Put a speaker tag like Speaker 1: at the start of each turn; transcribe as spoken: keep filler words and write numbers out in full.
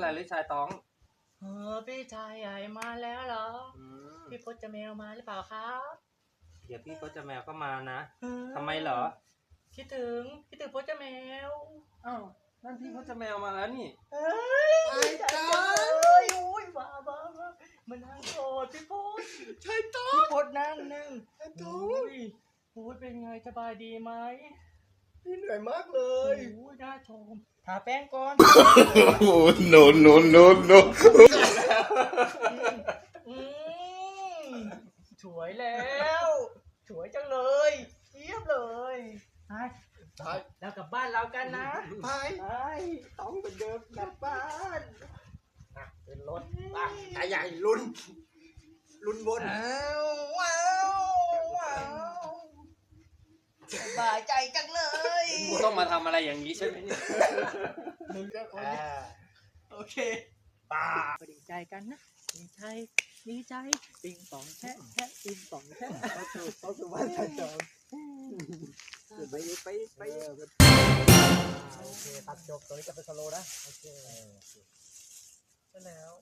Speaker 1: อะไรหรือชายต้อง
Speaker 2: เออพี่ชายใหญ่มาแล้วเหรอพี่พจน์แมวมาหรือเปล่าครับ
Speaker 1: เดี๋ยวพี่พจน์แมวก็มานะทำไมเหรอ
Speaker 2: คิดถึงคิดถึงพจน์แมว
Speaker 1: อ้าวนั่นพี่พจน์แมวมาแล้วนี่
Speaker 2: เฮ้ยไอ้จ้าเลยอุ้ยบ้าบ้าบ้ามานั่งโกรธพี่พจน์
Speaker 3: ใช่ต้อ
Speaker 2: พี่พจน์นั่งนั่ง
Speaker 3: ใช่ต้อ
Speaker 2: อุ้ยพจน์เป็นไงสบายดีไหม
Speaker 3: พี่เหนื่อยมากเลย
Speaker 2: อุ้ยน่าชมทาแป้งก่อน
Speaker 4: no no no no
Speaker 2: อืมสวยแล้วสวยจังเลยเยี่ยมเลยไป เรากลับบ้านเรากันนะ
Speaker 3: ไปไปต้องเป็นเดิมกลับบ้านนะเป็นรถไปตาใหญ่ลุ้นลุ้นบน
Speaker 2: ว้าวว้าวว้าวสบายใจจังเลย
Speaker 1: ต้องมาทำอะไรอย่างนี้ใช่ไหมเนี่ย
Speaker 2: โอเคป่าดีใจกันนะดีใจดีใจปิงปองแช่แช่ปิงปองแช่
Speaker 3: ต้องสู่ต้องสู่บ้านชายจอมไปไปไปโอเคตัดจบตัวนี้จะเป็นสโลนะโอเค
Speaker 2: แล้ว